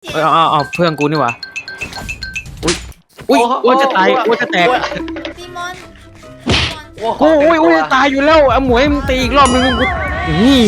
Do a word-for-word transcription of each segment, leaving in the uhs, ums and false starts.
เออเอาเอาเพื่อนกูนี่หว่าอุ้ยอุ้ยอ้วนจะตายอ้วนจะแตกซีมอนกูอุ้ยอุ้ยจะตายอยู่แล้วเอาหมวยมึงตีอีกรอบนึงกูนี่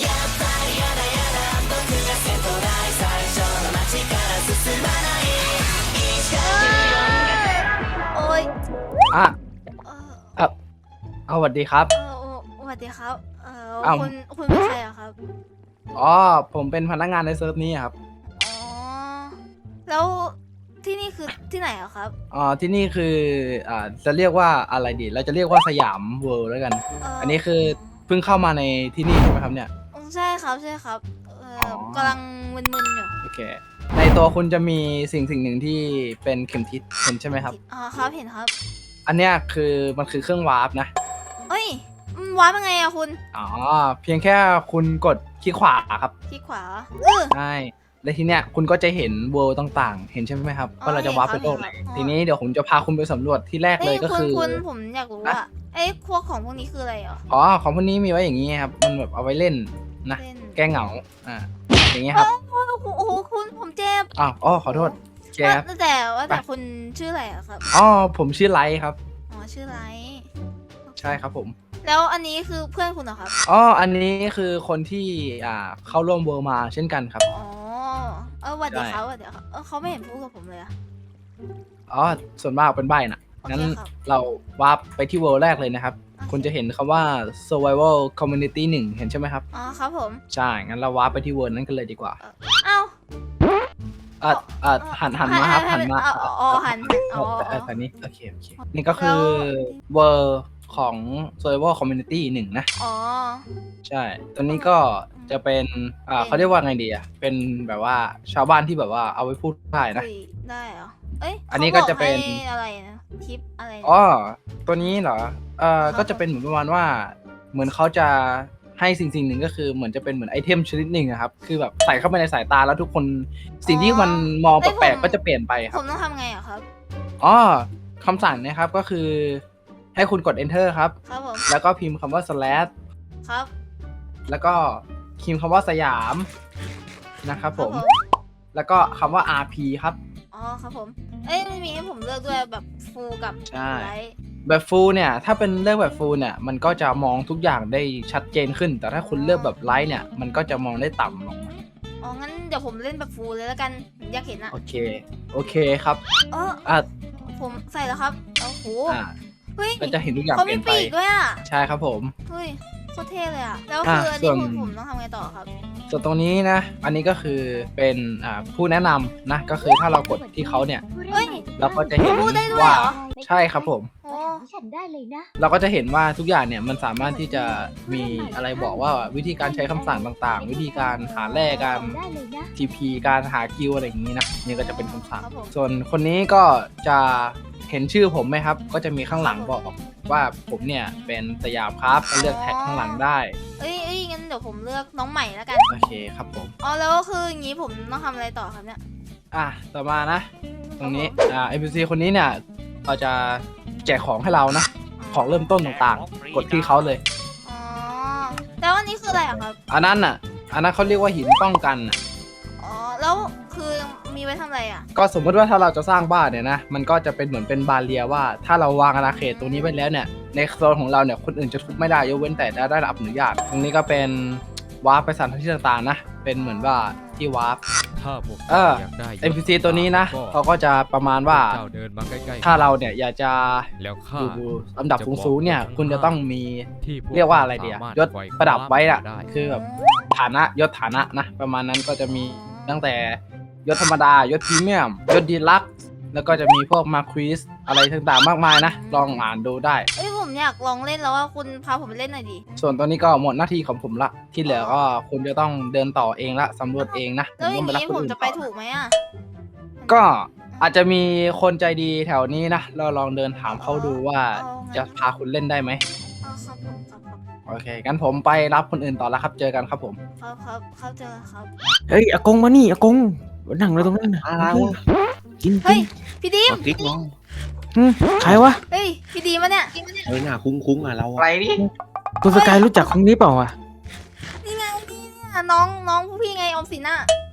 โอ้ยอ่ะเออเอาเอาสวัสดีครับเออสวัสดีครับเอออ้าวคุณคุณเป็นใครอะครับอ๋อผมเป็นพนักงานในเซิร์ฟนี้ครับอ๋อแล้วที่นี่คือที่ไหนอะครับอ๋อที่นี่คืออ่าจะเรียกว่าอะไรดีเราจะเรียกว่าสยามเวิลด์แล้วกันเอันนี้คือเพิ่งเข้ามาในที่นี่ใช่ไหมครับเนี่ยอืมใช่ครับใช่ครับเอออกำลังมึนๆอยู่โอเคในตัวคุณจะมีสิ่งสิ่งหนึ่งที่เป็นเข็มทิศเห็นใช่ไหมครับอ๋อครับเห็นครับอันเนี้ยคือมันคือเครื่องวาร์ปนะเอ้ยมันว้าร์ปยังไงอะคุณอ๋อเพียงแค่คุณกดคลิกขวาครับที่ขวาเออใช่และทีเนี้ยคุณก็จะเห็นเวิลด์ต่างๆ เห็นใช่ไหมครับอ๋อว่าเราจะวาร์ปไปโลกไหนเห็นครับทีนี้เดี๋ยวผมจะพาคุณไปสำรวจที่แรกเลเอ้ยยก็คุณคือคุณผมอยากรู้ว่าไอ้พวกของพวกนี้คืออะไรเหรออ๋อของพวกนี้มีไว้อย่างนี้ครับมันแบบเอาไว้เล่นนะเล่นแก้เหงาอ่าอย่างนี้ครับโอ้โหโอ้โหคุณผมเจ็บอ้าวอ๋อขอโทษโอเคครับว่าแต่ว่าแต่คุณชื่ออะไรอะครับอ๋อผมชื่อไลท์ครับอ๋อชื่อไรใช่ครับผมแล้วอันนี้คือเพื่อนคุณเหรอครับอ๋ออันนี้คือคนที่อ่าเข้าร่วมเวิลด์มาเช่นกันครับอ๋อเออหวัดดีใช่ครับหวัดดีครับเออเขาไม่เห็นพูดกับผมเลยอะอ๋อส่วนมากเป็นใบน่ะโอเคงั้นครับเราวาร์ปไปที่เวิลด์แรกเลยนะครับโอเคคุณจะเห็นคำว่า survival community หนึ่งเห็นใช่ไหมครับอ๋อครับผมใช่ งั้นเราวาร์ปไปที่เวิร์นั้นกันเลยดีกว่าเอ้าเอ่อเอ่อหันหันมาครับ หันมาอ๋ออ๋ออ๋อหันหันอ๋อเออ๋อออันนี้ โอเค โอเค นี่ก็คือเวิร์ของ survival community หนึ่งนะอ๋อใช่ ตัวนี้ก็จะเป็น อ่าเขาเรียกว่าไงดีอ่ะ เป็นแบบว่าชาวบ้านที่แบบว่าเอาไว้พูดได้นะคุยได้เหรอเอ้ยอันนี้ก็จะเป็นขาบอกให้อะไรนะทิปอะไรนะอ๋อ ตัวนี้เหรอ เอ่อครับก็จะเป็นเหมือนประมาณว่า เหมือนเขาจะให้สิ่งสิ่งหนึ่งก็คือเหมือนจะเป็นเหมือนไอเทมชนิดหนึ่งอะครับ คือแบบใส่เข้าไปในสายตาแล้วทุกคนสิ่งที่มันมองแปลกๆก็จะเปลี่ยนไปคผรับมต้องทำไงอะครับอ๋อคำสั่งนะครับก็คือให้คุณกด enter ครับครับผมแล้วก็พิมพ์คำว่า slash ครับแล้วก็พิมพ์คำว่าสยามนะครับผม แล้วก็คำว่า อาร์ พี ครับอ๋อครับผม เอ้ยมันมีให้ผมเลือกด้วยแบบฟูลกับใช่ไลท์แบบ full เนี่ย ถ้าเป็นเลือกแบบ full เนี่ย มันก็จะมองทุกอย่างได้ชัดเจนขึ้น แต่ถ้าคุณเลือกแบบ light เนี่ย มันก็จะมองได้ต่ำลงอ๋องั้นเดี๋ยวผมเล่นแบบฟูลเลยแล้วกันผมอยากเห็นอะโอเค โอเคครับเอออ่ะผมใส่แล้วครับโอ้โหอ่าเฮ้ยก็จะเห็นทุกอย่างเขาเปมีลี่ยนไปปีกด้วยอะใช่ครับผมเฮ้ยโคตรเท่เลยอะแล้วอ่ะคืออันส่นี้วนผมผมต้องทำไงต่อครับส่วนตรงนี้นะ อันนี้ก็คือเป็นอ่าผู้แนะนำนะ ก็คือถ้าเรากดที่เขาเนี่ยเฮ้ยเราก็จะเห็นพูดได้ด้วยว่าเหรอใช่ครับผมโอ้ฉันได้เลยนะเราก็จะเห็นว่าทุกอย่างเนี่ยมันสามารถที่จะมีอะไรบอกว่าวิธีการใช้คำสั่งต่างๆ วิธีการหาแร่การได้เลยนะที พี การหากิลอะไรอย่างนี้นะนี่ก็จะเป็นคำสั่งครับผมส่วนคนนี้ก็จะเห็นชื่อผมไหมครับ ก็จะมีข้างหลังบอกว่าผมเนี่ยเป็นสยามครับก็เลือกแท็กข้างหลังได้เอ้ยเอ้ยงั้นเดี๋ยวผมเลือกน้องใหม่แล้วกันโอเคครับผมอ๋อแล้วก็คืออย่างนี้ผมต้องทำอะไรต่อครับเนี่ยอ่ะต่อมานะ ตรงนี้อ่า เอ็น พี ซี คนนี้เนี่ยเราจะแจกของให้เรานะ ของเริ่มต้นต่างๆ กดที่เขาเลยอ๋อแล้วอันนี้คืออะไรอะครับอันนั้นน่ะ อันนั้นเขาเรียกว่าหินป้องกันน่ะอ๋อแล้วคือมีไว้ทำอะไรอะก็สมมติว่าถ้าเราจะสร้างบ้านเนี่ยนะ มันก็จะเป็นเหมือนเป็นบาเรียว่า ถ้าเราวางอาณาเขตตรงนี้ไว้แล้วเนี่ย ในโซนของเราเนี่ย คนอื่นจะทุบไม่ได้ยกเว้นแต่ได้รับอนุญาต ตรงนี้ก็เป็นวาร์ปไปสถานที่ต่างๆนะ เป็นเหมือนว่าที่วาร์ปถ้าพวกเอออยากได้เอ็น พี ซี ตัวนี้นะก็เขาก็จะประมาณว่าเจ้าเดินมาใกล้ๆถ้าเราเนี่ยอยากจะแล้วข้าอยู่ลำดับสูงๆเนี่ย คุณจะต้องมีที่พเรียกว่าอะไรดีอะสมถยศประดับไว้อะด้คือแบบฐานะยศฐานะนะ ประมาณนั้นก็จะมีตั้งแต่ยศธรรมดายศพรีเมียมยศดีลักซ์แล้วก็จะมีพวกมาควีสอะไรต่างๆมากมายนะ ลองอ่านดูได้เอ้ยผมอยากลองเล่นแล้วว่าคุณพาผมไปเล่นหน่อยดิส่วนตัวนี้ก็หมดหน้าที่ของผมละ ที่เหลือก็คุณจะต้องเดินต่อเองละสำรวจเองนะแล้วอย่างต้นี้รับคนผมอื่นจะไปต่อถูกไหมอะก็อาจจะมีคนใจดีแถวนี้นะ เราลองเดินถามเขาดูว่าจะพาคุณเล่นได้ไหมอ๋อครับผมครับครับโอเคงั้นผมไปรับคนอื่นต่อแล้วครับ เจอกันครับผมครับครับครับเจอกันครับเฮ้ยอากงมานี่อากงนั่งเลยตรงนั้นนะอะไรวะกินเฮ้ยพี่ดีมเอาคลิกลองใครวะเฮ้ยพี่ดีมวะเนี่ยเฮ้ยหน้าคุ้งๆอ่ะเราอะไรนี่คุณสกายรู้จักคนนี้เปล่าอ่ะนี่ไงนี่เนี่ยน้องน้องผู้พี่ไงออมสินน่ะ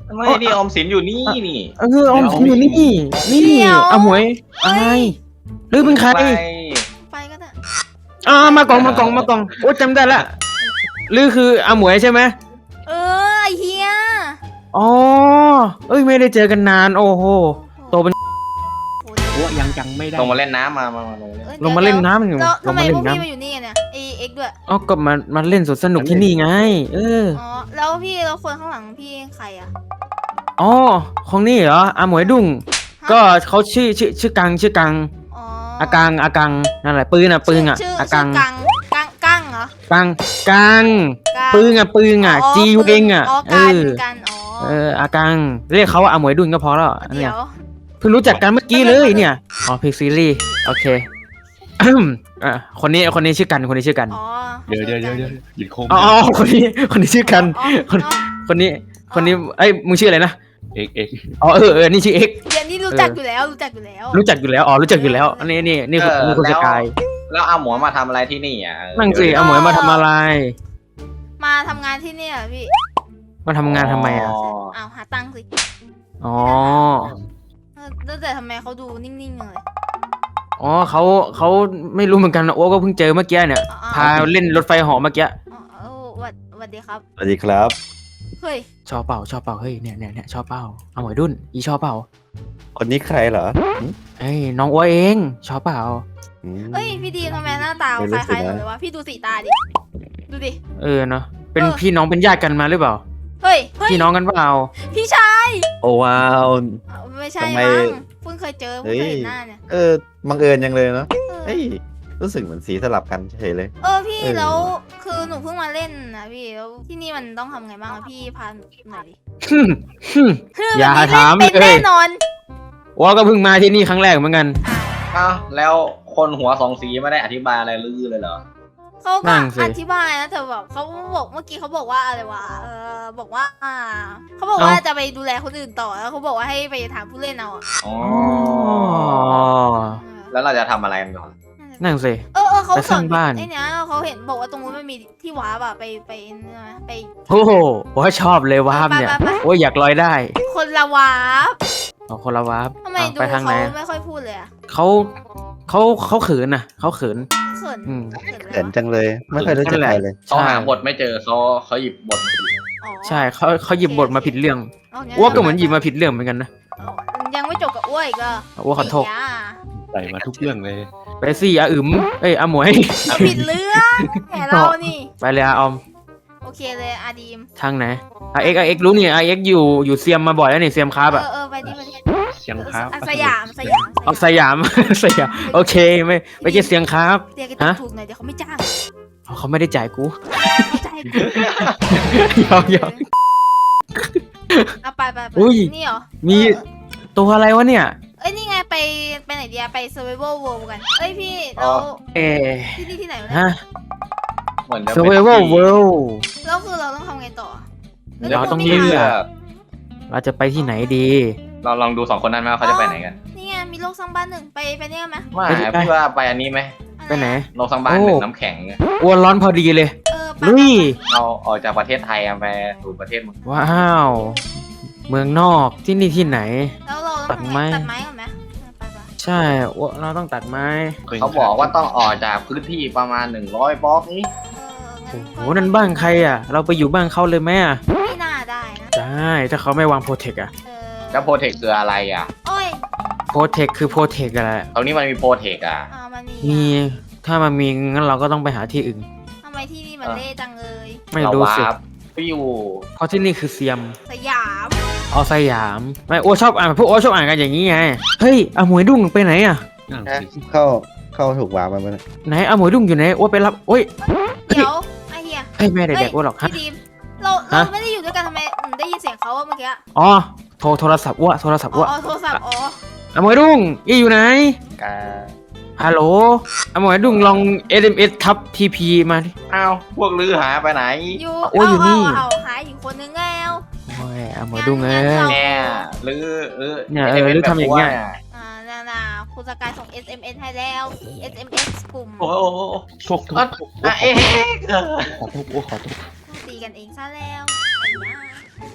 ไม่นี่ออมสินอยู่นี่นี่เออออมสินอยู่นี่นี่อาหมวยอะไรหรือเป็นใครไปไปก็ได้อ่ามากล่องมากล่องมากล่องโอ้จำได้ละหรือคืออาหมวยใช่ไหมเออไอเฮียอ๋อเอ้ยไม่ได้เจอกันนานโอ้โหโตเป็นโอ้ยังจังไม่ได้ลงมาเล่นน้ำมามามาลงมาเล่นอ้ยลงมาเล่นน้ำอยู่แล้วลทำงไมมาเล่พนวกน้พี่มาอยู่นี่กันเนี่ยไอเอ็กด้วยำอ๋อก็มามาเล่นสวนสนุกที่นี่ไง เอออ๋อแล้วพี่แล้วคนข้างหลังพี่ใครอ่ะอ๋อของนี่เหรออาหมวยดุ้งก็เขาชื่อชื่อชื่อกังชื่อกังอ๋ออากังอากังนั่นแหละปืนอ่ะปืนอ่ะชื่ออาชื่กัอง กังกังกังเหรอกังกังกังปืนอ่ะปืนอ่ะจีเองอ่ะอ๋อเอกันอกันอ๋อเอออากังเรียกเขาว่าอาหมวยดุ้งก็พอแล้วอันเดี๋เนี่ยยวเพิ่งรู้จักกันเมื่อกี้เลยเนี่ยอ๋อเพลซีรีส์โอเคอ่ะคนนี้คนนี้ชื่อกันคนนี้ชื่อกันอ๋อเดี๋ยวเดี๋ยวเดี๋ยวเดี๋ยวหยุดโค้งอ๋อคนนี้คนนี้ชื่อกันอ๋อคนอ๋อคนนี้คนนี้เอ้ยมึงชื่ออะไรนะเอกเอกอ๋อเออเออนี่ชื่อเอ็กเดี๋ยวนี้รู้จักอยู่แล้วรู้จักอยู่แล้วรู้จักอยู่แล้วอ๋อรู้จักอยู่แล้วอันนี้นี่นี่คุณนี่คุณสกายแล้วเอาหมอมาทำอะไรที่นี่อ่ะนั่งสิเอาหมวยมาทำอะไรมาทำงานที่เนี่ยเหรอพี่มาทำงานทำไมอ่ะอ้าวหาตังค์สิอ๋อเออแล้วแต่ทำไมเขาดูนิ่งๆเลยอ๋อเขาเขาไม่รู้เหมือนกันนะโอ้ก็เพิ่งเจอเมื่อกี้เนี่ยอ๋อพาเล่นรถไฟเหอเมื่อกี้อ๋อเออหวัดหวัดดีครับสวัสดีครับเฮ้ยชอบเปล่าชอบเปล่าเฮ้ยเนี่ยเนี่ยเนี่ยชอบเปล่าเอาหมวยดุนอีชอบเปล่าคนนี้ใครเหรอหืมเอ้ยน้องอ้วเองชอบเปล่าอืมเอ้ยพี่ดีทำไมหน้าตาไม่ครู้ล้ายๆสิหนูนะเลยวะพี่ดูสีตาดิ ดูดิเออเนาะเป็นเออพี่น้องเป็นญาติกันมาหรือเปล่าเฮ้ย เฮ้ยพี่น้องกันเปล่าพี่ชายโอ้ว้าวอ้าวไม่ใช่ทำไมมั้งเพิ่งเคยเจอเพิ่งเฮ้ยเคยเห็นหน้าเนี่ยเออบังเอิญยังเลยเนาะเออเฮ้ยรู้สึกเหมือนสีสลับกันเฉยเลยเออพี่เออแล้วคือหนูเพิ่งมาเล่นนะพี่แล้วที่นี่มันต้องทำไงบ้างอะพี่พาหน่อยดิฮึ่มฮึ่มคืออย่าวันนี้ถามเล่นเป็นเลยแน่นอนอ้วก็เพิ่งมาที่นี่ครั้งแรกเหมือนกันอ้าวอ้าวแล้วคนหัวสองสีไม่ได้อธิบายอะไรลือเลยเหรอเขานั่ก็งสิอธิบายนะแต่แบบเขาบอกเมื่อกี้เขาบอกว่าอะไรวะเออบอกว่า อ่าเขาบอกว่าจะไปดูแลคนอื่นต่อแล้วเขาบอกว่าให้ไปถามผู้เล่นเอาอะอ๋ออ๋อเออแล้วเราจะทำอะไรกันก่อนนั่งสิเออเออเขาไปสสอร้าน งบ้านไอ้เนี้ยเขาเห็นบอกว่าตรงนู้นมันมีที่ว้าบอะไปไปเนี่ยนะไปโอ้โหว่าชอบเลยวาร์ปเนี่ยไปไปไปโอ้ยอยากลอยได้คนละว้าบเอาคนละวาร์ปทำไมเอาดูไปทางไหนเขาไม่ค่อยพูดเลยอะเขาเขาเขาเขินน่ะเขาเขินเขินอืมเขินเขินจังเลย ไม่เคยรู้จักใครเลยเขาใช่หาบทไม่เจอเขาเขาหยิบบทอ๋อใช่เขาเขาหยิบบทมาผิดเรื่องอ๋องั้นอ้วกก็เหมือนหยิบมาผิดเรื่องเหมือนกันนะอ๋อยังไม่จบกับอ้วอีกเหรออ้วกขอโทษไย่าใส่มาทุกเรื่องเลยไปสิอาอึมเอ้ยอาหมวยผิดเรื่องแหมเรานี่ไปเลยอาออมโอเคเลยอาดีมทางไหนอาเอ็กอาเอ็กรู้นี่อาเอ็กอยู่อยู่เซียมมาบ่อยแล้วนี่เซียมครับเออะอเออไปดิไปดิเสียงครับอ่ะสยามสยามเอาสยาม สยามโอเคไม่ไม่ใช่เสียงครับเรียกกันฮะถูกๆหน่อยเดี๋ยวเขาไม่จ้างเขาไม่ได้จ่ายกูเข้าใจกูยอมยอมเอาไปไปไปอุ้ยนี่เหรอมีเออตัวอะไรวะเนี่ยเอ้ยนี่ไงไปไปไหนดีอะไป survival world กันเอ้ยพี่แล้วเอที่นี่ที่ไหนวะเนี่ยฮะเหมือนจะเป็น survival ที่ world แล้วคือเราต้องทำไงต่อเดี๋ยวต้องไม่เลืมีอกทางเราจะไปที่ไหนดีเราลองดูสองคนนั้นไหมว่าเขาจะไปไหนกันนี่ไงมีโลกสร้างบ้านหนึ่งไปไปเนี่ยไหมว่าไปดิไปพี่ว่าไปอันนี้ไหมไปไหนโลกสร้างบ้านโอ้หนึ่งน้ำแข็งอ้วนร้อนพอดีเลยเออไปลุยเราออกจากประเทศไทยอะไปสู่ประเทศมึงว้าว เมืองนอกที่นี่ที่ไหนแล้วเราต้องทำไงตัดไม้ก่อนไหมไปไปใช่อ้วนเราต้องตัดไม้เขาบอกว่าต้องออกจากพื้นที่ประมาณหนึ่งร้อยบล็อกนี้เออโอ้งั้นโหนั่นบ้านใครอ่ะ เราไปอยู่บ้านเขาเลยไหมอ่ะไม่น่าได้นะได้ถ้าเขาไม่วางโปรเทคอ่ะเออแล้วโปรเทคคืออะไรอ่ะโอ้ยโปรเทคคือโปรเทคอะไรตรงนี้มันมีโปรเทคอ่ะอ่ามันมีมีถ้ามันมีงั้นเราก็ต้องไปหาที่อื่นทำไมที่นี่มันเละจังเลยไม่เรารู้สิวาร์ปฟิวเพราะที่นี่คือเซียมสยามเอาสยามไม่โอ้ชอบอ่านพวกโอ้ชอบอ่านกันอย่างนี้ไงเฮ้ยอาหมวยดุ้งไปไหนอ่ะนั่งฮะสิเข้าเข้าถูกวางมาไหมไหนอาหมวยดุ้งอยู่ไหนโอ้ไปรับโอ้ยเดี๋ยวไอเฮียเฮ้ยแม่เด็กๆโอ้หรอกฮะพี่ดีมเราเราฮะไม่ได้อยู่ด้วยกันทำไมอืมได้ยินเสียงเขาอะเมื่อกี้อ๋อโทรโทรศัพท์อ้วโทรศัพท์อ๋อ้อวอ๋อโทรศัพท์อ๋ออาหมวยดุ้งอีอยู่ไหนกาฮัลโหลอาหมวยดุ้งลอง เอส เอ็ม เอส ทับ ที พี มาดิอ้าวพวกลือหาไปไหนอยู่โอ้ยอยู่นี่เอาเอาเอาหายอยู่คนนึงแล้วโอ้ยอาหมวยดุ้งเอ้งั้นยเราเนี่ยลือลือเนี่ยเออลือทำอย่างเงี้ยอ่าน่าน่าคุณสกายส่ง เอส เอ็ม เอส ให้แล้ว เอส เอ็ม เอส กลุ่มโอ้โหโชคโทษอ่ะเอ๊ะขอโทษโอ้ขอโทษตีกันเองซะแล้วไอ้ย่า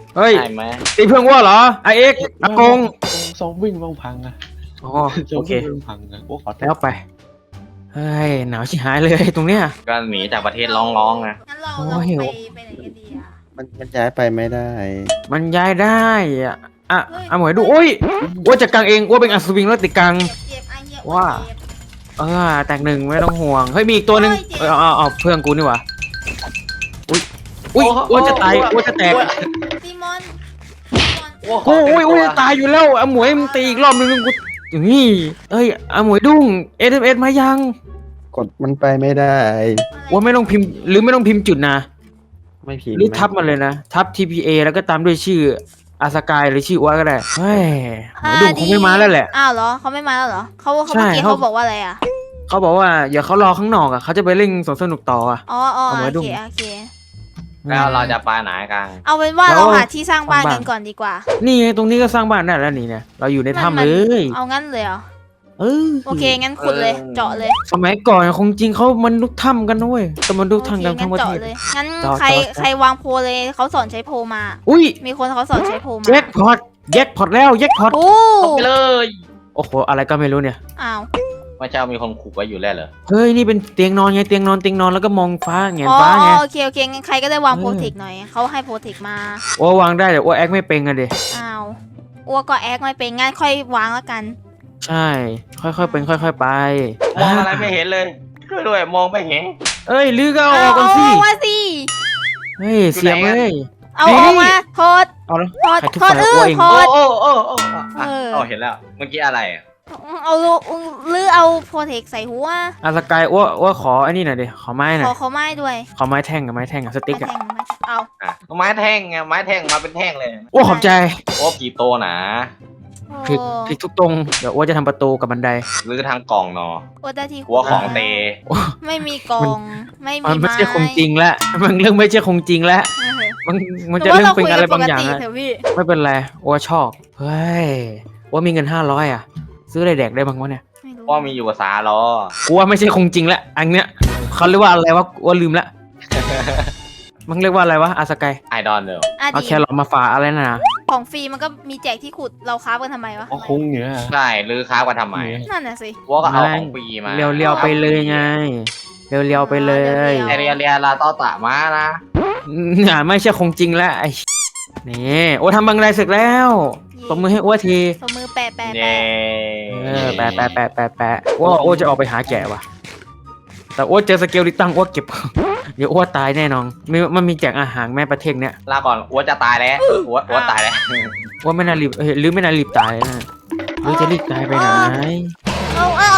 เฮ้ยใช่ไหมตีเพื่อนว่าเหรอไอเอ็กอากงซอมวิ่งบ้างพังอะอ๋อซอโอมเควิ่งบ้างพังอะว่าขอโทษแล้วไปเฮ้ยหนาวชิหายเลยตรงเนี้ยก็หนีจากประเทศร้องๆนะงั้นเราโอ้เราหิวไปไปไหนกันดีอ่ะมันมันย้ายไปไม่ได้มันย้ายได้อ่ะอ่ะเฮ้ยเอาหมวยดูโอ้ยว่าจะกางเองว่าเป็นอัศวินแล้วติดกางเจ็บเจ็บไอ้เหี้ยว่าเจ็บเออแตกหนึ่งไม่ต้องห่วงเฮ้ยมีอีกตัวหนึ่งเฮ้เอย อเจ็บเอาเอาเพื่อนกูนี่หว่าอุ้ยอุ้ยว่าจะตายว่าจะแตกซีมอนซีมอนว่าขโอ้เต็มยตัโอ้วยจะตายอยู่แล้วเอาหมวยมึงตีอีกรอบนึงกูอย่างนี้เอ้ยเอาหมวยดุ้งเอสเอ็มเอสมายังกดมันไปไม่ได้ว่าไม่ต้องพิมพ์หรือไม่ต้องพิมพ์จุดนะไม่พิมพ์หรือทับมาเลยนะ ทับ ที พี เอ แล้วก็ตามด้วยชื่ออาสกายหรือชื่ออ้วก็ได้เฮ้ยหมวยดุ้งคงไม่มาแล้วแหละอ้าวเหรอเขาไม่มาแล้วเหรอเขาเขาใช่เมื่อกี้เขาเขาบอกว่าอะไรอ่ะเขาบอกว่าอย่าเขารอข้างนอกอ่ะเขาจะไปเล่นสวนสนุกต่ออ่ะอ๋ออ๋อเอาไว้โอดูเคโอเคแล้วเราจะไปไหนกันเอาเป็นว่าแล้วเราหาที่สร้างบ้านสร้างบ้านกันก่อนดีกว่านี่ไงตรงนี้ก็สร้างบ้านได้แล้วนี่เนี่ยเราอยู่ในถ้ำเลยเอางั้นเลยเหรอเออโอเคงั้นขุดเลย เจาะเลยสมัยก่อนคงจริงเขามันลุกถ้ำกันนะเว้ยแต่มันลุกโอถ้ำเคกันงั้ทั้นงประเทเจาะศเลยงั้นเจาะใครเจาะใครวางโพลเลยเขาสอนใช้โพลมาอุ้ยมีคนเขาสอนใช้โพลมาแจ็คพอตแจ็คพอตแล้วแจ็คพอตโอ้ไปเลยโอ้โหอะไรก็ไม่รู้เนี่ยอ้าวว่าเจ้ามีคนขู่ไว้อยู่แล้วเหรอเฮ้ยนี่เป็นเตียงนอนไงเตียงนอนเตียงนอนแล้วก็มองฟ้าแงนอ๋อฟ้าไงโอเคโอเคงั้นใครก็ได้วางเออโปรเทคหน่อยเขาให้โปรเทคมาโอ้วางได้แต่ว่าแอคไม่เป็นอะเดอ้าวอ้วกก็แอคไม่เป็นงั้นค่อยวางแล้วกันใช่ ค่อยๆเป็นค่อย ๆ ไปมองอะไรไม่เห็นเลยช่วยด้วยมองไม่เห็นเอ้ยลือก็เอาอเอาอกกันเอาสิออกมาสิเฮ้ยเสียงเลยเอานี่ออกมาโทษเอาแล้วโทษใครทุบโทษไฟเออ้อวเองโทโอ้ษโอ้โอ้โอ้อ่ะเออเอาเห็นแล้วเมื่อกี้อะไรอ่ะเอาลูกหรือเอาโปรเทคใส่หัวอาสกายอ้วอ้วขอไอ้นี่หน่อยดิขอไม้หน่ขออย เขาไม้ด้วยขอไม้แท่งกับไม้แท่งกับสติ๊กมาอะแทงมาเอาอ่ะไม้แท่งไงไม้แท่งมาเป็นแท่งเลยอ้วขอบใจโอ้กี่โตนะโอ้ผิดผิดทุกตรงเดี๋ยวอ้วจะทำประตูกับบันไดหรือทางกล่องเนาะโอ้ได้ที่หัวของเตไม่มีกล่องไม่มีมันไม่ไม้ใช่คงจริงแล้วมันเรื่องไม่ใช่คงจริงแล้วเออมันมันหจะว่าเรื่องเป็นอะไรคุบางอย่างกันปกอะติเถอะพี่ไม่เป็นไรอ้วชอบเฮ้ยอ้วมีเงินห้าร้อยอะซื้ออะไรแดกได้บ้างวะเนี่ยไม่รู้ว่ามีอยู่ภาษาล้อกูว่าไม่ใช่คงจริงแล้วอันเนี้ยเขาเรียกว่าอะไรวะอ้วลืมละมันเรียกว่าอะไรวะอาสกายไอดอนเนออ่ะเอาดีแครอทมาฝากอะไรนะของฟรีมันก็มีแจกที่ขุดเราค้ากันทำไมวะอ๋อคงเนี่ยใช่หรือค้ากันทำไมนั่นน่ะสิว่าก็เอาของฟรีมาเรียวๆไปเลยไงเรียวๆไปเลยไอเรียเรียลาต้อตะมานะอ่าไม่ใช่คงจริงแล้วไอ้นี่โอ้ทำบังไดเสร็จแล้วตบมือให้อ้วทีสมือแปะแปะเย้แปะเออแปะแปะแปะแปะแปะว่าโอ้จะออกไปหาแกะว่ะแต่โอ้เจอสเกลลิตังโอ้เก็บ เดี๋ยวโอ้ตายแน่นอนมีมันมีแจกอาหารแม่ประเทศเนี้ยลาก่อนอ้วจะตายแล้วอ้วอ้วตายแล้วว่าไม่น่ารีบเอ้ยหรือไม่น่ารีบตายนะหรือจะรีบตายไปไหนเอาเอา